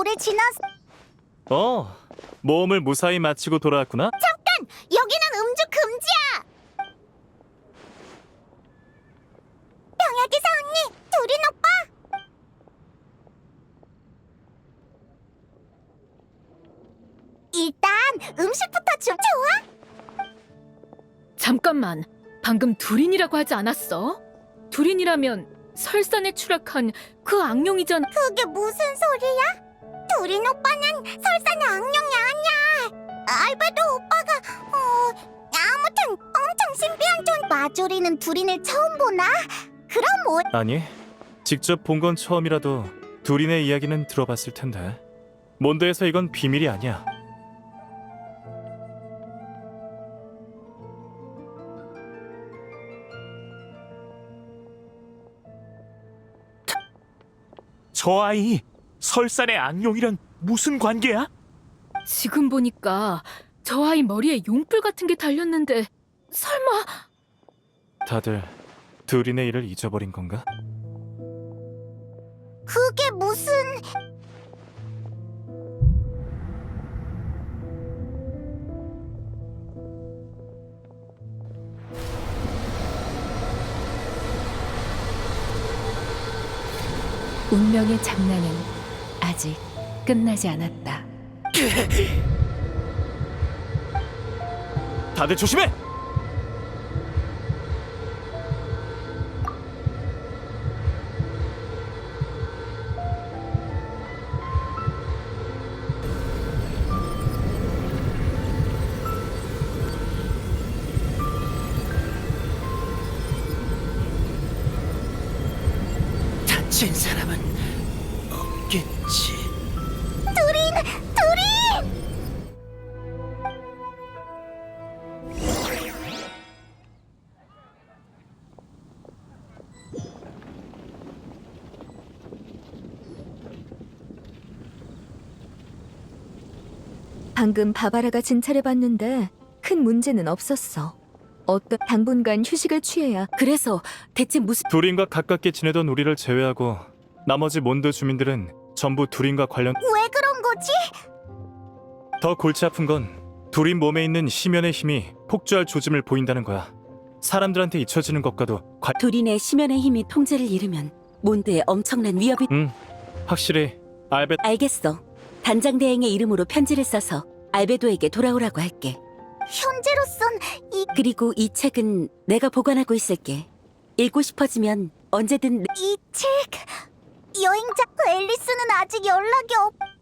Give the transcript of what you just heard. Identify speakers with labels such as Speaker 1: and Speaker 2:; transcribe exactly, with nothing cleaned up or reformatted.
Speaker 1: 오래 지났...
Speaker 2: 어, 모험을 무사히 마치고 돌아왔구나?
Speaker 1: 잠깐! 여기는 음주 금지야! 병약의사 언니, 두린 오빠! 일단 음식부터 좀 좋아?
Speaker 3: 잠깐만, 방금 두린이라고 하지 않았어? 두린이라면 설산에 추락한 그 악령이잖아.
Speaker 1: 그게 무슨 소리야? 두린 오빠는 설산의 악령이 아니야. 알베도 오빠가 어... 아무튼 엄청 신비한 존... 마조리는 두린을 처음 보나? 그럼 뭐...
Speaker 2: 아니, 직접 본 건 처음이라도 두린의 이야기는 들어봤을 텐데. 몬드에서 이건 비밀이 아니야.
Speaker 4: 저 아이, 설산의 악령이랑 무슨 관계야?
Speaker 3: 지금 보니까 저 아이 머리에 용불 같은 게 달렸는데 설마...
Speaker 2: 다들 두린의 일을 잊어버린 건가?
Speaker 1: 그게 무슨...
Speaker 5: 운명의 장난은 아직 끝나지 않았다.
Speaker 4: 다들 조심해! 다친 사람은 없겠지.
Speaker 1: 두린! 두린!
Speaker 5: 방금 바바라가 진찰해봤는데 큰 문제는 없었어. 어떤 당분간 휴식을 취해야. 그래서 대체 무슨...
Speaker 2: 두린과 가깝게 지내던 우리를 제외하고 나머지 몬드 주민들은 전부 두린과 관련...
Speaker 1: 왜 그런 거지?
Speaker 2: 더 골치 아픈 건 두린 몸에 있는 심연의 힘이 폭주할 조짐을 보인다는 거야. 사람들한테 잊혀지는 것과도 관...
Speaker 6: 두린의 심연의 힘이 통제를 잃으면 몬드에 엄청난 위협이...
Speaker 2: 응, 확실히 알베...
Speaker 6: 알겠어. 단장 대행의 이름으로 편지를 써서 알베도에게 돌아오라고 할게.
Speaker 1: 현재로선 이...
Speaker 6: 그리고 이 책은 내가 보관하고 있을게. 읽고 싶어지면 언제든...
Speaker 1: 이 책... 여행자 앨리스는 아직 연락이 없...